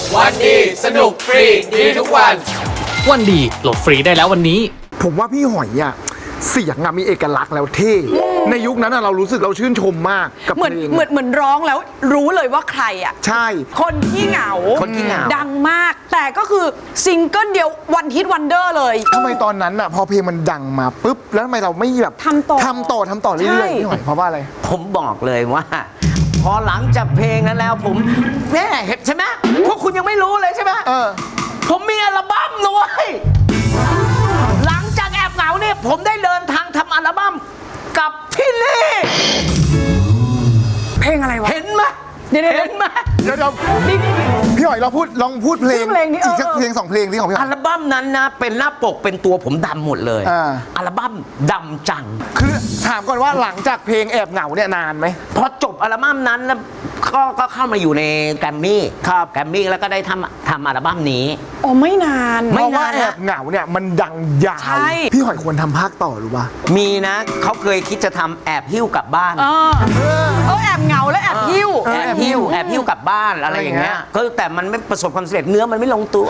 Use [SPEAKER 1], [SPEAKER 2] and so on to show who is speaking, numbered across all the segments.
[SPEAKER 1] วันดีสนุกฟรีดีทุกวัน
[SPEAKER 2] วันดีโหลดฟรีได้แล้ววันนี้
[SPEAKER 3] ผมว่าพี่หอยอะเสียงอะมีเอกลักษณ์แล้วเท่ในยุคนั้นอะเรารู้สึกเราชื่นชมมากกับ
[SPEAKER 4] เหมือน
[SPEAKER 3] เพลง
[SPEAKER 4] เหมือนร้องแล้วรู้เลยว่าใครอ่ะ
[SPEAKER 3] ใช่
[SPEAKER 4] คนที่เหงา
[SPEAKER 1] คนขี้เหงา
[SPEAKER 4] ดังมาก แต่ก็คือซิงเกิลเดียววันฮิตวันเดอร์เลย
[SPEAKER 3] ทำไมตอนนั้นอะพอเพลงมันดังมาปุ๊บแล้วทำไมเราไม่แบบ
[SPEAKER 4] ทำต่อ
[SPEAKER 3] ทำต่อเรื่
[SPEAKER 4] ใช่
[SPEAKER 3] อยๆพี่หอยเพราะว่าอะไร
[SPEAKER 5] ผมบอกเลยว่า พอหลังจากเพลงนั้นแล้วผมแม่เห็นใช่ไหมพวกคุณยังไม่รู้เลยใช่ไหม
[SPEAKER 3] เออ
[SPEAKER 5] ผมมีอัลบั้มด้วยหลังจากแอบเหงาเนี่ยผมได้เดินทางทำอัลบั้มกับพี่ลี่
[SPEAKER 4] เพลงอะไรวะ
[SPEAKER 5] เห็นไหม
[SPEAKER 4] เดี๋ยวๆ
[SPEAKER 5] เห็นไหม
[SPEAKER 3] เดี๋ยว
[SPEAKER 4] นี่
[SPEAKER 3] พี่หอยเราลองพูดเพลง
[SPEAKER 4] เพลงนี้
[SPEAKER 3] อีกสักเพลงสองเพลงที่ของพี่ห
[SPEAKER 5] อั
[SPEAKER 3] อย
[SPEAKER 5] ลบั้มนั้นนะเป็นหน้าปกเป็นตัวผมดำหมดเลย
[SPEAKER 3] อ่า
[SPEAKER 5] อัลบั้มดำจัง
[SPEAKER 3] คือถามก่อนว่าหลังจากเพลงแอบเหงาเนี่ยนานไหม
[SPEAKER 5] พอจบอัลบั้มนั้นแล้วก็เข้ามาอยู่ในแกรมมี่
[SPEAKER 3] ครับ
[SPEAKER 5] แกรมมี่แล้วก็ได้ทำอัลบั้มนี้
[SPEAKER 4] โอ้ไม่นาน
[SPEAKER 3] เพ
[SPEAKER 5] ไม่
[SPEAKER 3] ราะว่า
[SPEAKER 5] นาน
[SPEAKER 3] แอ
[SPEAKER 5] นะ
[SPEAKER 3] บเหงาเนี่ยมันดังยาว
[SPEAKER 4] ใช่
[SPEAKER 3] พี่หอยควรทำภาคต่อหรือเปล่า
[SPEAKER 5] มีนะเขาเคยคิดจะทำแอบหิ้วกลับบ้าน
[SPEAKER 4] แอบเหงาและแอบหิ้ว
[SPEAKER 5] แอบหิ้วกลับบ้านอะไรอย่างเงี้ยก็แต่มันไม่ประสบความสำเร็จเนื้อมันไม่ลงตัว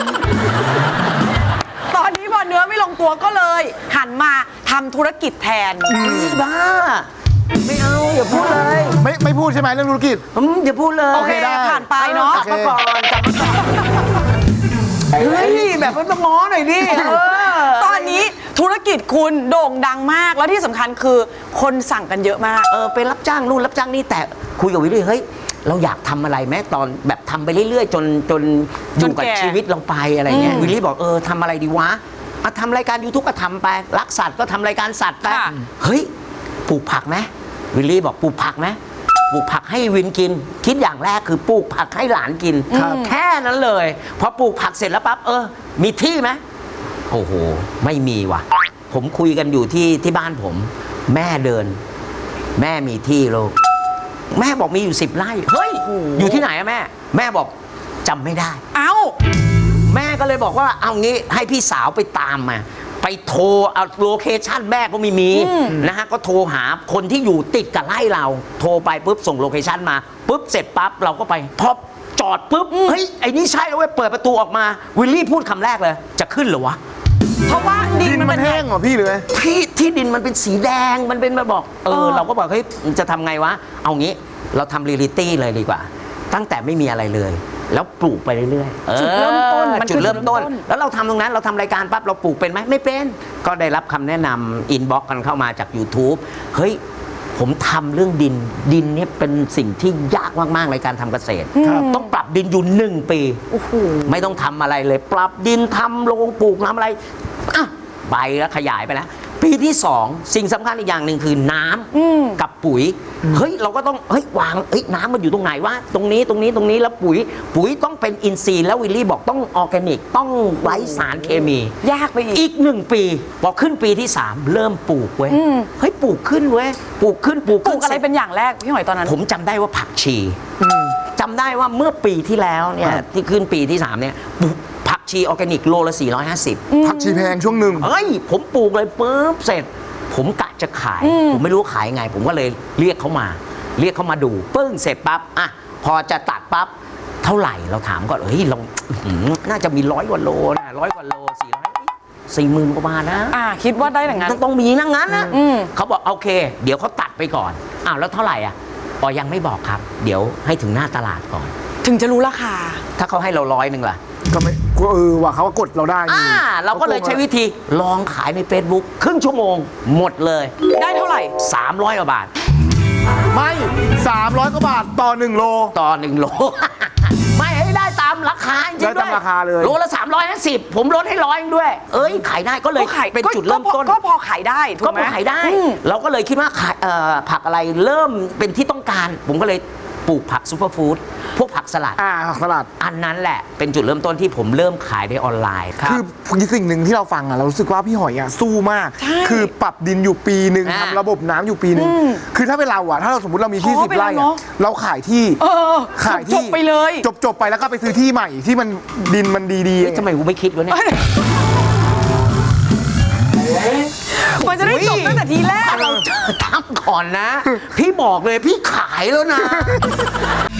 [SPEAKER 4] ตอนนี้พอเนื้อไม่ลงตัวก็เลย หันมาทำธุรกิจแทน
[SPEAKER 5] บ้า ไม่เอาอย่าพูดเลย
[SPEAKER 3] ไม่พูดใช่ไหมเรื่องธุรกิจ
[SPEAKER 5] อย่าพูดเลย
[SPEAKER 3] โอเคได้
[SPEAKER 4] ผ่านไปเนาะ
[SPEAKER 5] กลับมาก่อนกลับมาก่อนเฮ้ยแบบมันต้องง้อหน่อยดิเออ
[SPEAKER 4] ตอนนี้ธุรกิจคุณโด่งดังมาก แล้วที่สำคัญคือคนสั่งกันเยอะมาก
[SPEAKER 5] ไปรับจ้างนู่นรับจ้างนี่แต่คุยกับวิลลี่เฮ้ยเราอยากทำอะไรไหมตอนแบบทำไปเรื่อยๆ จนอยู่กับ
[SPEAKER 4] แก่
[SPEAKER 5] ชีวิตเราไปอะไรเงี้ยวิลลี่บอกทำอะไรดีวะทำรายการ YouTube ก็ทำไปรักสัตว์ก็ทำรายการสัตว์ไป
[SPEAKER 4] ค่ะ
[SPEAKER 5] เฮ้ยปลูกผักไหมวิลลี่บอกปลูกผักไหมปลูกผักให้วินกิน คิดอย่างแรกคือปลูกผักให้หลานกินแค่นั้นเลยพอปลูกผักเสร็จแล้วปั๊บมีที่ไหมโอ้โหไม่มีว่ะ ผมคุยกันอยู่ที่บ้านผม แม่เดิน แม่มีที่ลูกแม่บอกมีอยู่10 ไร่เฮ้ยอยู่ที่ไหนอะแม่ แม่บอกจำไม่ได้
[SPEAKER 4] เอ้า
[SPEAKER 5] แม่ก็เลยบอกว่าเอางี้ให้พี่สาวไปตามมา ไปโทรเอาโลเคชั่นแม่ก็ไม่มีนะฮะก็โทรหาคนที่อยู่ติดกับไร่เรา โทรไปปุ๊บส่งโลเคชั่นมาปุ๊บเสร็จปั๊บเราก็ไปพอจอดปุ๊บเฮ้ยไอ้นี่ใช่แล้วเว้ยเปิดประตูออกมาวิลลี่พูดคำแรกเลยจะขึ้นเหรอวะ
[SPEAKER 4] เพราะว่าดิ
[SPEAKER 3] ดิ
[SPEAKER 4] น
[SPEAKER 3] น
[SPEAKER 4] มั
[SPEAKER 3] มัน น
[SPEAKER 4] เป็น
[SPEAKER 3] แห้งเหรอพี่หรือไง
[SPEAKER 5] ที่ดินมันเป็นสีแดงมันเป็นมาบอกเราก็บอกเฮ้ยจะทำไงวะเอางี้เราทำเรียลิตี้เลยดีกว่า ตั้งแต่ไม่มีอะไรเลย แล้วปลูกไปเรื่อยๆ
[SPEAKER 4] จุดเริ่มต้นมัน
[SPEAKER 5] จุดเริ่มต้น
[SPEAKER 4] คือจุดเริ่มต้น
[SPEAKER 5] แล้วเราทำตรงนั้นเราทำรายการปั๊บเราปลูกเป็นไหมไม่เป็น ก็ได้รับคำแนะนำอินบ็อกกันเข้ามาจาก YouTube เฮ้ยผมทำเรื่องดินเนี่ยเป็นสิ่งที่ยากมากๆในการทำเกษตร ต้องปรับดินอยู่1 ปี ไม่ต้องทำอะไรเลย ปรับดินทำโรงปลูกน้ำอะไรอ่ะไปแล้วขยายไปแล้ว ปีที่ 2 สิ่งสำคัญอีกอย่างหนึ่งคือน้ำกับปุ๋ย เฮ้ยเราก็ต้องวางน้ำมันอยู่ตรงไหนวะตรงนี้แล้วปุ๋ยต้องเป็นอินทรีย์แล้ววิลลี่บอกต้องออร์แกนิกต้องไร้สารเคมี
[SPEAKER 4] ยากไปอีก
[SPEAKER 5] อีก1 ปีพอขึ้นปีที่ 3 เริ่มปลูกเว้ยเฮ้ยปลูกขึ้นเว้ยปลูกขึ้น
[SPEAKER 4] ปลูกอะไรเป็นอย่างแรกพี่หอยตอนนั้น
[SPEAKER 5] ผมจำได้ว่าผักชีจำได้ว่าเมื่อปีที่แล้วเนี่ยที่ขึ้นปีที่ 3 เนี่ยปลูกผักชีออร์แกนิกโลละ450
[SPEAKER 3] ผักชีแพงช่วงหนึ่ง
[SPEAKER 5] เฮ้ยผมปลูกเลยปุ๊บเสร็จ ผมกะจะขาย ผมไม่รู้ขายไง ผมก็เลยเรียกเขามาดูปึ้งเสร็จปั๊บอ่ะพอจะตัดปั๊บเท่าไหร่เราถามก่อนเฮ้ยเราน่าจะมี100 กว่าโลนะ100 กว่าโล40,000 กว่าบาทนะ
[SPEAKER 4] คิดว่าได้อย่างนั้น
[SPEAKER 5] ต้องมีนั่งนั้นนะเขาบอกโอเค เดี๋ยวเขาตัดไปก่อนอ้าวแล้วเท่าไหร่อ่ะยังไม่บอกครับ เดี๋ยวให้ถึงหน้าตลาดก่อน
[SPEAKER 4] ถึงจะรู้ราคา
[SPEAKER 5] ถ้าเขาให้เรา100ล่ะ
[SPEAKER 3] ก็ไม่ว่าเขาก็กดเราได้นี่
[SPEAKER 5] เราก็เลยใช้วิธีลองขายใน Facebook ครึ่งชั่วโมงหมดเลย
[SPEAKER 4] ได้เท่าไหร่
[SPEAKER 5] 300 กว่าบาท
[SPEAKER 3] ไม่300 กว่าบาทต่อ1 โล
[SPEAKER 5] ต่อ1 โล ไม่ให้ได้ตามราคาจริงๆ
[SPEAKER 3] ได้ตามราคาเลย
[SPEAKER 5] โลละ350ผมลดให้100ด้วย ขายได้ก็เลยเป็นจุดเริ่มต้น
[SPEAKER 4] ก็พอขายได้ถู
[SPEAKER 5] ก็
[SPEAKER 4] กไห
[SPEAKER 5] พ
[SPEAKER 4] ม
[SPEAKER 5] อขายได้ เราก็เลยคิดว่าผักอะไรเริ่มเป็นที่ต้องการ ผมก็เลยปลูกผักซูเปอร์ฟู้ดพวกผักสลัด
[SPEAKER 3] ผักสลัด
[SPEAKER 5] อันนั้นแหละเป็นจุดเริ่มต้นที่ผมเริ่มขายในออนไลน์ครับ
[SPEAKER 3] คือสิ่งหนึ่งที่เราฟังเรารู้สึกว่าพี่หอยสู้มาก
[SPEAKER 4] ใช่
[SPEAKER 3] คือปรับดินอยู่ปีหนึ่ง
[SPEAKER 5] อ่า
[SPEAKER 3] ทำระบบน้ำอยู่ปีหนึ่งคือถ้าเป็นเราถ้าเราสมมติเรามีที่
[SPEAKER 4] ท้อ
[SPEAKER 3] 10
[SPEAKER 4] ไป
[SPEAKER 3] ไร่
[SPEAKER 4] แล้วเนอะ
[SPEAKER 3] เราขายที่ ขายที่
[SPEAKER 4] จบไปเลย
[SPEAKER 3] จบไปแล้วก็ไปซื้อที่ใหม่ที่มันดินมันดี
[SPEAKER 5] เฮ้ยทำไมกูไม่คิดวะเนี่ย
[SPEAKER 4] มันจะได้จบตั้งแต่ทีแรก
[SPEAKER 5] ถ้าเราเจอตั้มก่อนนะ พี่บอกเลยพี่ขายแล้วนะ